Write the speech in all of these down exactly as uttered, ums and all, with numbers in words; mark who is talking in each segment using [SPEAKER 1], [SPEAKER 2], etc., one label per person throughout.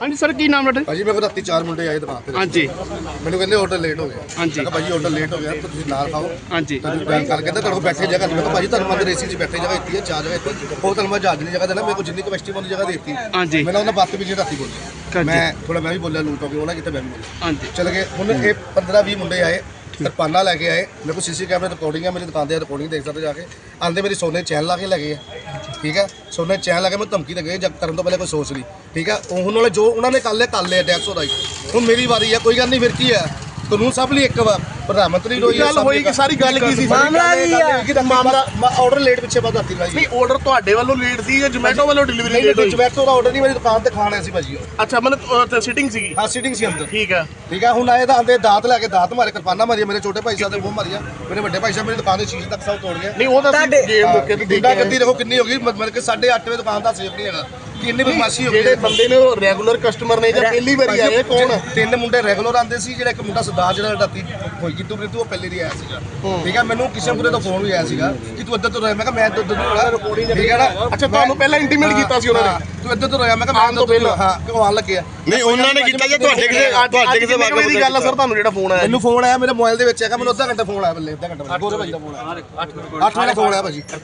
[SPEAKER 1] ਹਾਂਜੀ ਸਰ, ਕੀ ਨਾਮ ਤੁਹਾਡਾ?
[SPEAKER 2] ਭਾਜੀ ਮੇਰੇ ਕੋਲ ਰਾਤੀ ਚਾਰ ਮੁੰਡੇ ਆਏ ਦੁਕਾਨ ਤੇ।
[SPEAKER 1] ਹਾਂਜੀ।
[SPEAKER 2] ਮੈਨੂੰ ਕਹਿੰਦੇ ਆਰਡਰ ਲੇਟ ਹੋ ਗਿਆ।
[SPEAKER 1] ਹਾਂਜੀ।
[SPEAKER 2] ਮੈਂ ਕਿਹਾ ਭਾਜੀ ਆਰਡਰ ਲੇਟ ਹੋ ਗਿਆ ਤਾਂ ਤੁਸੀਂ ਨਾਲ ਖਾਓ।
[SPEAKER 1] ਹਾਂਜੀ।
[SPEAKER 2] ਤੁਸੀਂ ਬੈਂਕ ਕਰਕੇ ਕਹਿੰਦੇ ਤੁਹਾਡੇ ਕੋਲ ਬੈਠੇ ਜਗ੍ਹਾ ਨਹੀਂ। ਮੈਂ ਕਿਹਾ ਭਾਜੀ ਤੁਹਾਨੂੰ ਮੰਦਰ ਏਸੀ 'ਚ ਬੈਠੇ ਜਗ੍ਹਾ ਦਿੱਤੀ ਹੈ, ਚਾਰ ਜਗ੍ਹਾ ਦਿੱਤੀ ਉਹ ਤੁਹਾਨੂੰ ਮੈਂ ਜਹਾਜ਼ ਦੀ ਜਗ੍ਹਾ ਦੇਣਾ, ਮੇਰੇ ਕੋਲ ਜਿੰਨੀ ਕਪੈਸਿਟੀ ਵਾਲੀ ਜਗ੍ਹਾ ਦਿੱਤੀ।
[SPEAKER 1] ਹਾਂਜੀ।
[SPEAKER 2] ਮੈਨੂੰ ਉਹਨਾਂ ਬਾਤ ਵੀ ਜੀ ਰਾਤੀ ਬੋਲੀ, ਮੈਂ ਥੋੜਾ ਮੈਂ ਵੀ ਬੋਲਿਆ ਲੂਟ ਹੋ ਗਿਆ ਉਹਨਾਂ ਕਿਤੇ ਮੈਂ ਵੀ ਬੋਲਿਆ।
[SPEAKER 1] ਹਾਂਜੀ।
[SPEAKER 2] ਚਲ ਗਏ ਹੁਣ ਇਹ ਪੰਦਰਾਂ ਵੀਹ ਮੁੰਡੇ ਆਏ, ਕਿਰਪਾਨਾਂ ਲੈ ਕੇ ਆਏ। ਮੇਰੇ ਕੋਲ ਸੀਸੀ ਕੈਮਰੇ ਰਿਕਾਰਡਿੰਗ ਹੈ, ਮੇਰੀ ਦੁਕਾਨ ਤੇ ਰਿਕਾਰਡਿੰਗ ਦੇਖ ਸਕਦੇ ਜਾ ਕੇ। ਆਂਦੇ ਮੇਰੀ ਸੋਨੇ ਚੈਨ ਲਾ ਕੇ ਲੈ ਗਏ ਆ, ਠੀਕ ਹੈ। ਸੋਨੇ ਚੈਨ ਲਾ ਕੇ ਮੈਂ ਧਮਕੀ ਦੇ ਗਏ ਜਦ ਕਰਨ ਤੋਂ ਪਹਿਲੇ ਕੋਈ ਸੋਚ ਲਈ, ਠੀਕ ਹੈ। ਹੁਣ ਵਾਲੇ ਜੋ ਉਹਨਾਂ ਨੇ ਕਰ ਲਿਆ ਕਰ ਲਿਆ ਟੈਕਸ ਉਹਦਾ ਹੀ। ਹੁਣ ਮੇਰੀ ਵਾਰੀ ਆ, ਕੋਈ ਗੱਲ ਨਹੀਂ, ਫਿਰ ਕੀ ਹੈ, ਕਾਨੂੰਨ ਸਭ ਲਈ ਇੱਕ ਵਾਰ ਪ੍ਰਧਾਨ ਮੰਤਰੀ ਰੋਈ
[SPEAKER 1] ਗੱਲ ਹੋਈ ਕਿ ਸਾਰੀ ਗੱਲ ਕੀ ਸੀ?
[SPEAKER 2] ਮਾਮਲਾ ਕੀ ਹੈ? ਮਾਮਲਾ ਆਰਡਰ ਲੇਟ ਪਿੱਛੇ ਬਾਅਦ ਰਾਤੀ ਲਾਈ।
[SPEAKER 1] ਨਹੀਂ, ਆਰਡਰ ਤੁਹਾਡੇ ਵੱਲੋਂ ਲੇਟ ਸੀ ਜਾਂ ਜੋਮੈਟੋ ਵੱਲੋਂ ਡਿਲੀਵਰੀ ਲੇਟ ਹੋਈ?
[SPEAKER 2] ਜੋਮੈਟੋ ਦਾ ਆਰਡਰ ਨਹੀਂ, ਮੇਰੀ ਦੁਕਾਨ ਤੇ ਖਾਣ ਆਇਆ ਸੀ ਭਾਜੀ ਉਹ।
[SPEAKER 1] ਅੱਛਾ, ਮਤਲਬ ਸਿਟਿੰਗ ਸੀਗੀ?
[SPEAKER 2] ਹਾਂ, ਸਿਟਿੰਗ ਸੀ ਅੰਦਰ।
[SPEAKER 1] ਠੀਕ ਹੈ,
[SPEAKER 2] ਠੀਕ ਹੈ। ਹੁਣ ਆਏ ਤਾਂ ਆਂਦੇ ਦਾਤ ਲੈ ਕੇ ਦਾਤ ਮਾਰੇ, ਕਿਰਪਾਨਾਂ ਮਾਰੀਆਂ, ਮੇਰੇ ਛੋਟੇ ਭਾਈ ਸਾਹਿਬ ਦੇ ਮੂੰਹ ਮਾਰੀਆਂ, ਮੇਰੇ ਵੱਡੇ ਭਾਈ ਸਾਹਿਬ ਮੇਰੀ ਦੁਕਾਨ ਦੇ ਸ਼ੀਸ਼ੇ ਤੱਕ ਸਭ ਤੋੜ ਗਏ।
[SPEAKER 1] ਨਹੀਂ ਉਹ ਤਾਂ ਗੇਮ ਮੌਕੇ ਤੇ
[SPEAKER 2] ਗੁੰਡਾ ਗੱਦੀ ਦੇਖੋ ਕਿੰਨੀ ਹੋ ਗਈ, ਮਤਲਬ ਕਿ ਸਾਢੇ ਅੱਠ ਵਜੇ ਦੁਕਾਨ ਦਾ ਸੇਫ ਨਹੀਂ ਹੈਗਾ। ਕਿੰਨੀ ਬਦਮਾਸ਼ੀ ਹੋ ਗਈ।
[SPEAKER 1] ਜਿਹੜੇ ਬੰਦੇ ਨੇ ਉਹ ਰੈਗੂਲਰ ਕਸਟਮਰ ਨੇ ਜਾਂ ਪਹਿਲੀ ਵਾਰੀ ਆਏ ਕੌਣ?
[SPEAKER 2] ਤਿੰਨ ਮੁੰਡੇ ਰੈਗੂਲਰ ਆਉਂਦੇ ਸੀ, ਜਿਹੜਾ ਇੱਕ ਮੁੰਡਾ ਸਰਦਾਰ ਜਿਹੜਾ ਰਾਤੀ ਹੋਈ ਕਿਤੂ ਪ੍ਰੀਤੂ ਉਹ ਪਹਿਲੇ ਦੀ ਆਇਆ ਸੀਗਾ, ਠੀਕ ਹੈ। ਮੈਨੂੰ ਕਿਸ਼ਨਪੁਰੇ ਤੋਂ ਫੋਨ ਵੀ ਆਇਆ ਸੀਗਾ ਕਿ ਤੂੰ ਇੱਧਰ ਤੋਂ ਰਹਿ। ਮੈਂ ਕਿਹਾ ਮੈਂ ਇੱਧਰ ਤੋਂ ਰਿਕਾਰਡਿੰਗ, ਠੀਕ ਹੈ ਨਾ।
[SPEAKER 1] ਅੱਛਾ, ਤੁਹਾਨੂੰ ਪਹਿਲਾਂ ਇੰਟੀਮੇਟ ਕੀਤਾ ਸੀ ਉਹਨਾਂ ਨੇ
[SPEAKER 2] ਤੂੰ ਇੱਧਰ ਤੋਂ ਰਹਿ। ਮੈਂ ਕਿਹਾ ਮੈਂ ਪਹਿਲਾਂ ਹਾਂ ਕਿਉਂ ਆਉਣ ਲੱਗਿਆ?
[SPEAKER 1] ਨਹੀਂ, ਉਹਨਾਂ ਨੇ ਕੀਤਾ ਜਾਂ ਤੁਹਾਡੇ ਕਿਸੇ ਤੁਹਾਡੇ ਕਿਸੇ ਵਾਕਫ ਦੀ ਗੱਲ ਆ ਸਰ? ਤੁਹਾਨੂੰ ਜਿਹੜਾ ਫੋਨ ਆਇਆ?
[SPEAKER 2] ਮੈਨੂੰ ਫੋਨ ਆਇਆ ਮੇਰੇ ਮੋਬਾਈਲ ਦੇ ਵਿੱਚ ਹੈਗਾ, ਮੈਨੂੰ ਅੱਧਾ ਘੰਟਾ ਫੋਨ ਆਇਆ, ਬੱਲੇ ਅੱਧਾ ਘੰਟਾ ਗੋਰੇ ਭਾਜੀ ਦਾ ਫੋਨ ਆਇਆ, ਅੱਠ ਵਜੇ ਫੋਨ ਆਇਆ ਭਾਜੀ।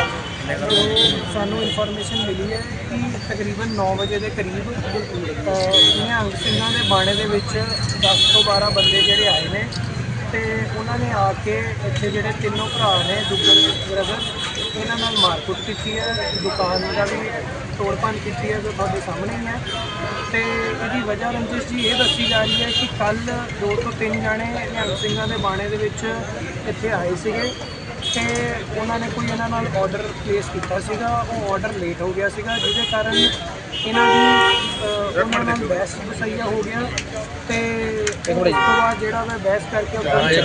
[SPEAKER 3] ਸਾਨੂੰ ਇਨਫੋਰਮੇਸ਼ਨ ਮਿਲੀ ਹੈ ਕਿ ਤਕਰੀਬਨ ਨੌ ਵਜੇ ਦੇ ਕਰੀਬ ਨਿਹੰਗ ਸਿੰਘਾਂ ਦੇ ਬਾਣੇ ਦੇ ਵਿੱਚ ਦਸ ਤੋਂ ਬਾਰਾਂ ਬੰਦੇ ਜਿਹੜੇ ਆਏ ਨੇ ਤੇ ਉਹਨਾਂ ਨੇ ਆ ਕੇ ਇੱਥੇ ਜਿਹੜੇ ਤਿੰਨੋਂ ਭਰਾ ਨੇ ਦੁੱਗਲ ਬ੍ਰਦਰ, ਇਹਨਾਂ ਨਾਲ ਮਾਰਕੁੱਟ ਕੀਤੀ ਹੈ, ਦੁਕਾਨ ਦਾ ਵੀ ਤੋੜ ਭੰਨ ਕੀਤੀ ਹੈ ਜੋ ਤੁਹਾਡੇ ਸਾਹਮਣੇ ਹੀ ਹੈ। ਤੇ ਇਹਦੀ ਵਜ੍ਹਾ ਰੰਜਿਸ਼ ਜੀ ਇਹ ਦੱਸੀ ਜਾ ਰਹੀ ਹੈ ਕਿ ਕੱਲ੍ਹ ਦੋ ਤੋਂ ਤਿੰਨ ਜਾਣੇ ਨਿਹੰਗ ਸਿੰਘਾਂ ਦੇ ਬਾਣੇ ਦੇ ਵਿੱਚ ਇੱਥੇ ਆਏ ਸੀਗੇ ਤੇ ਉਹਨਾਂ ਨੇ ਕੋਈ ਇਹਨਾਂ ਨਾਲ ਆਰਡਰ ਪਲੇਸ ਕੀਤਾ ਸੀਗਾ, ਉਹ ਆਰਡਰ ਲੇਟ ਹੋ ਗਿਆ ਸੀਗਾ, ਜਿਹਦੇ ਕਾਰਨ ਇਹਨਾਂ ਦੀ ਉਹਨਾਂ ਨਾਲ ਬਹਿਸ ਵਸਈਆ ਹੋ ਗਿਆ। ਤੇ ਉਸ ਤੋਂ ਬਾਅਦ ਜਿਹੜਾ ਮੈਂ ਬਹਿਸ ਕਰਕੇ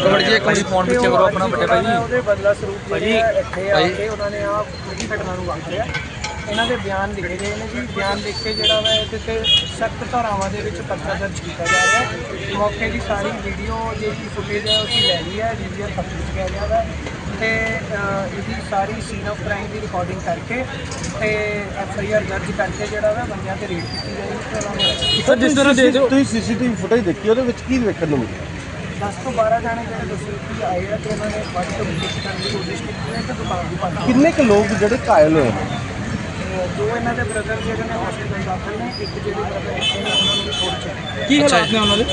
[SPEAKER 3] ਉਹਦੇ ਬਦਲਾ ਸਰੂਪ ਜਿਹੜੇ ਇੱਥੇ ਆ ਕੇ ਉਹਨਾਂ ਨੇ ਆਹ ਪੂਰੀ ਘਟਨਾ ਨੂੰ ਵਾਪਰਿਆ। ਇਹਨਾਂ ਦੇ ਬਿਆਨ ਲਿਖੇ ਗਏ ਨੇ ਜੀ। ਬਿਆਨ ਲਿਖ ਕੇ ਜਿਹੜਾ ਵਾ ਇਹਦੇ 'ਤੇ ਸਖਤ ਧਾਰਾਵਾਂ ਦੇ ਵਿੱਚ ਪਰਚਾ ਦਰਜ ਕੀਤਾ ਜਾ ਰਿਹਾ। ਮੌਕੇ ਦੀ ਸਾਰੀ ਵੀਡੀਓ ਜਿਹੜੀ ਫੁਟੇਜ ਹੈ ਉਸੀ ਲੈ ਲਈ ਹੈ, ਜੀ ਵੀ ਆਰ ਕੰਪਲੀਟ ਕਿਹਾ ਗਿਆ ਵਾ ਤੇ ਇਹਦੀ ਸਾਰੀ ਸੀਨ ਆਫ ਕ੍ਰਾਈਮ ਦੀ ਰਿਕਾਰਡਿੰਗ ਕਰਕੇ ਤੇ ਐਫ ਆਈ ਆਰ ਦਰਜ ਕਰਕੇ ਜਿਹੜਾ ਵਾ ਬੰਦਿਆਂ ਤੇ ਰੇਡ ਕੀਤੀ ਜਾਏਗੀ।
[SPEAKER 4] ਸਰ, ਜਿਸ ਤਰ੍ਹਾਂ ਦੇਖਦੇ ਹੋ ਤੁਸੀਂ ਸੀਸੀਟੀਵੀ ਫੁਟੇਜ ਦੇਖੀ, ਉਹਦੇ ਵਿੱਚ ਕੀ ਵੇਖਣ ਨੂੰ ਮਿਲਿਆ?
[SPEAKER 3] ਦਸ ਤੋਂ ਬਾਰਾਂ ਜਾਣੇ ਜਿਹੜੇ ਦੱਸੇ ਕਿ ਆਏ ਆ ਤੇ ਉਹਨਾਂ ਨੇ ਵੱਧ ਤੋਂ ਵੱਧ ਕਰਨ ਦੀ ਕੋਸ਼ਿਸ਼ ਕੀਤੀ ਹੈ ਤੇ ਦੁਕਾਨ ਦੀ ਭੰਨ
[SPEAKER 4] ਕਿੰਨੇ ਕੁ ਲੋਕ ਜਿਹੜੇ ਘਾਇਲ ਹੋਏ ਨੇ?
[SPEAKER 3] ਦੋ ਇਹਨਾਂ ਦੇ ਬ੍ਰਦਰ ਜਿਹੜੇ ਨੇ ਹਸਪੀਟਲ ਦਾਖਲ ਨੇ, ਇੱਕ ਜਿਹੜੇ ਬ੍ਰਦਰ ਇੱਥੇ ਨੇ ਉਹਨਾਂ ਨੂੰ ਵੀ ਥੋੜ੍ਹੀ ਚੋਟ।
[SPEAKER 4] ਕੀ ਹਾਲਾਤ ਨੇ ਉਹਨਾਂ ਦੇ?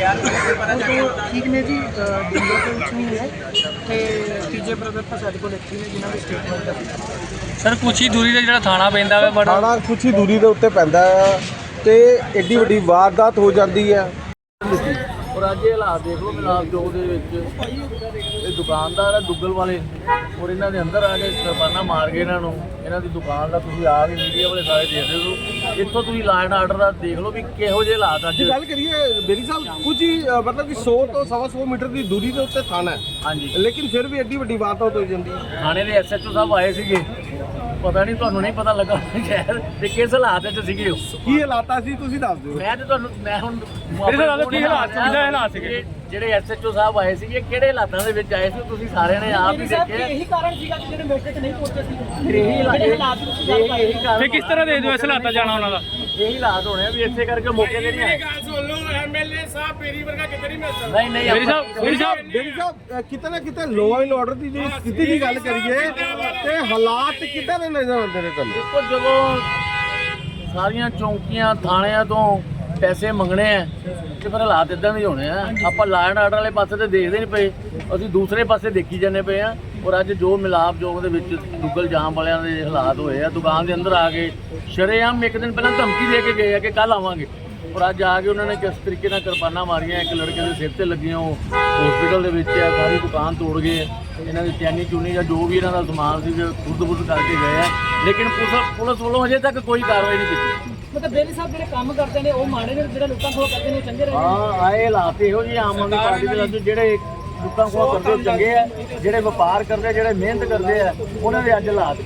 [SPEAKER 3] ਠੀਕ ਨੇ ਜੀ, ਦਿੱਲੀ ਦੇ ਵਿੱਚ ਨਹੀਂ ਹੈ ਤੇ ਤੀਜੇ ਬ੍ਰਦਰ ਤਾਂ ਸਾਡੇ ਕੋਲ ਇੱਥੇ ਨੇ ਜਿਨ੍ਹਾਂ ਦੀ ਸਟੇਟਮੈਂਟ ਹੈ।
[SPEAKER 5] ਸਰ ਕੁਛ ਹੀ ਦੂਰੀ ਤੇ ਜਿਹੜਾ ਥਾਣਾ ਪੈਂਦਾ ਵਾ ਬੜਾ
[SPEAKER 4] ਥਾਣਾ ਕੁਛ ਹੀ ਦੂਰੀ ਦੇ ਉੱਤੇ ਪੈਂਦਾ ਹੈ ਤੇ ਐਡੀ ਵੱਡੀ ਵਾਰਦਾਤ ਹੋ ਜਾਂਦੀ ਹੈ।
[SPEAKER 6] ਔਰ ਅੱਜ ਇਹ ਹਾਲਾਤ ਦੇਖ ਲਓ ਮਿਲਾਪ ਚੌਕ ਦੇ ਵਿੱਚ ਇਹ ਦੁਕਾਨਦਾਰ ਹੈ ਦੁੱਗਲ ਵਾਲੇ, ਔਰ ਇਹਨਾਂ ਦੇ ਅੰਦਰ ਆ ਕੇ ਕਿਰਪਾਨਾਂ ਮਾਰ ਕੇ ਇਹਨਾਂ ਨੂੰ, ਇਹਨਾਂ ਦੀ ਦੁਕਾਨ ਦਾ ਤੁਸੀਂ ਆ ਕੇ ਮੀਡੀਆ ਵਾਲੇ ਸਾਰੇ ਦੇਖਦੇ ਹੋ। ਇੱਥੋਂ ਤੁਸੀਂ ਲਾਅ ਐਂਡ ਆਰਡਰ ਦਾ ਦੇਖ ਲਓ ਵੀ ਕਿਹੋ ਜਿਹੇ ਹਾਲਾਤ ਅੱਜ।
[SPEAKER 4] ਗੱਲ ਕਰੀਏ ਬੇਰੀ ਸਾਹਿਬ, ਕੁਝ ਹੀ ਮਤਲਬ ਕਿ ਸੌ ਤੋਂ ਸਵਾ ਸੌ ਮੀਟਰ ਦੀ ਦੂਰੀ ਦੇ ਉੱਤੇ ਥਾਣਾ ਹੈ,
[SPEAKER 6] ਹਾਂਜੀ,
[SPEAKER 4] ਲੇਕਿਨ ਫਿਰ ਵੀ ਐਡੀ ਵੱਡੀ ਵਾਰਦਾਤ ਹੋ ਜਾਂਦੀ ਹੈ।
[SPEAKER 6] ਥਾਣੇ ਦੇ ਐਸ ਐਚ ਓ ਸਾਹਿਬ ਆਏ ਸੀਗੇ, ਪਤਾ ਨਹੀਂ ਤੁਹਾਨੂੰ ਨਹੀਂ ਪਤਾ ਲੱਗਾ ਸ਼ਹਿਰ ਤੇ ਕਿਸ ਹਾਲਾਤ ਵਿੱਚ ਸੀਗੇ ਉਹ।
[SPEAKER 4] ਕੀ ਹਾਲਾਤ ਸੀ ਤੁਸੀਂ ਦੱਸ ਦਿਓ।
[SPEAKER 6] ਮੈਂ ਤੇ ਤੁਹਾਨੂੰ ਮੈਂ ਹੁਣ
[SPEAKER 5] ਮੇਰੇ ਨਾਲ ਕੀ ਹਾਲਾਤ ਸੀ, ਕਿਹੜੇ ਹਾਲਾਤ ਸੀਗੇ?
[SPEAKER 6] ਜਿਹੜੇ ਐਸ ਐਚ ਓ ਸਾਹਿਬ ਆਏ ਸੀਗੇ ਕਿਹੜੇ ਹਾਲਾਤਾਂ ਦੇ ਵਿੱਚ ਆਏ ਸੀ ਤੁਸੀਂ ਸਾਰਿਆਂ ਨੇ ਆਪ ਹੀ ਦੇਖਿਆ।
[SPEAKER 3] ਇਹੀ ਕਾਰਨ ਸੀਗਾ ਕਿ ਜਿਹੜੇ ਮੌਕੇ ਤੇ ਨਹੀਂ ਪਹੁੰਚੇ ਸੀ।
[SPEAKER 6] ਇਹੀ ਹਾਲਾਤ ਇਹੀ ਕਾਰਨ
[SPEAKER 5] ਤੇ ਕਿਸ ਤਰ੍ਹਾਂ ਦੇ ਦਿਓ ਇਸ ਹਾਲਾਤਾਂ ਜਾਣਾ ਉਹਨਾਂ ਦਾ?
[SPEAKER 6] ਇਹੀ ਹਾਲਾਤ ਹੋਣੇ ਆ ਵੀ ਇੱਥੇ ਕਰਕੇ ਮੌਕੇ ਤੇ ਨਹੀਂ ਆਏ।
[SPEAKER 5] ਗੱਲ ਸੁਣ ਲਓ, ਐਮਐਲਏ ਸਾਹਿਬ ਮੇਰੀ ਵਰਗਾ ਕਿਤੇ ਨਹੀਂ ਮਿਲ ਸਕਦਾ।
[SPEAKER 6] ਨਹੀਂ ਨਹੀਂ
[SPEAKER 5] ਮੇਰੀ ਸਾਹਿਬ ਮੇਰੀ ਸਾਹਿਬ
[SPEAKER 4] ਬੇਰੀ ਸਾਹਿਬ, ਕਿਤੇ ਨਾ ਕਿਤੇ ਲਾਅ ਐਂਡ ਆਰਡਰ ਦੀ ਜਿਹੜੀ ਸਥਿਤੀ ਦੀ ਗੱਲ ਕਰੀਏ ਤੇ ਹਾਲਾਤ ਕਿੱਦਾਂ ਦੇ ਨਜ਼ਰ ਆਉਂਦੇ ਨੇ ਤੁਹਾਨੂੰ?
[SPEAKER 6] ਦੇਖੋ ਜਦੋਂ ਸਾਰੀਆਂ ਚੌਂਕੀਆਂ ਥਾਣਿਆਂ ਤੋਂ ਪੈਸੇ ਮੰਗਣੇ ਆ ਤੇ ਫਿਰ ਹਾਲਾਤ ਇਦਾਂ ਦੇ ਹੋਣੇ ਆ। ਆਪਾਂ ਲਾਅ ਐਂਡ ਆਰਡਰ ਵਾਲੇ ਪਾਸੇ ਤੇ ਦੇਖਦੇ ਨਹੀਂ ਪਏ, ਅਸੀਂ ਦੂਸਰੇ ਪਾਸੇ ਦੇਖੀ ਜਾਂਦੇ ਪਏ ਆ। ਔਰ ਅੱਜ ਜੋ ਮਿਲਾਪ ਜੋਗ ਦੇ ਵਿੱਚ ਦੁੱਗਲ ਜਾਮ ਵਾਲਿਆਂ ਦੇ ਹਾਲਾਤ ਹੋਏ ਆ, ਦੁਕਾਨ ਦੇ ਅੰਦਰ ਆ ਕੇ ਸ਼ਰੇਆਮ ਇੱਕ ਦਿਨ ਪਹਿਲਾਂ ਧਮਕੀ ਦੇ ਕੇ ਗਏ ਆ ਕਿ ਕੱਲ ਆਵਾਂਗੇ, ਔਰ ਅੱਜ ਆ ਕੇ ਉਹਨਾਂ ਨੇ ਕਿਸ ਤਰੀਕੇ ਨਾਲ ਕਿਰਪਾਨਾਂ ਮਾਰੀਆਂ, ਇੱਕ ਲੜਕੇ ਦੇ ਸਿਰ ਤੇ ਲੱਗੀਆਂ, ਉਹ ਹਸਪੀਟਲ ਦੇ ਵਿੱਚ ਆ, ਸਾਰੀ ਦੁਕਾਨ ਤੋੜ ਗਏ। ਇਹਨਾਂ ਦੀ ਚੈਨੀ ਚੂਨੀ ਜਾਂ ਜੋ ਵੀ ਇਹਨਾਂ ਦਾ ਸਮਾਨ ਸੀ ਖੁਰਦ-ਬੁਰਦ ਕਰਕੇ ਗਏ ਆ, ਲੇਕਿਨ ਪੁਲਿਸ ਪੁਲਿਸ ਵੱਲੋਂ ਅਜੇ ਤੱਕ ਕੋਈ ਕਾਰਵਾਈ ਨਹੀਂ ਕੀਤੀ।
[SPEAKER 3] ਮਤਲਬ ਬੇਰੀ ਸਾਹਿਬ ਜਿਹੜੇ ਕੰਮ ਕਰਦੇ ਨੇ ਉਹ ਮਾੜੇ ਨੇ, ਜਿਹੜੇ ਲੋਕਾਂ ਕੋਲ ਕਰਦੇ ਨੇ ਉਹ ਚੰਗੇ ਰਹੇ।
[SPEAKER 6] ਹਾਂ, ਆਏ ਹਾਲਾਤ ਇਹੋ ਜਿਹੇ ਆਮ ਆਦਮੀ ਪਾਰਟੀ ਦੇ ਵਿੱਚ ਜਿਹੜੇ ਲੋਕਾਂ ਕੋਲ ਕਰਦੇ ਉਹ ਚੰਗੇ ਆ, ਜਿਹੜੇ ਵਪਾਰ ਕਰਦੇ ਜਿਹੜੇ ਮਿਹਨਤ ਕਰਦੇ ਆ ਉਹਨਾਂ ਦੇ ਅੱਜ ਹਾਲਾਤ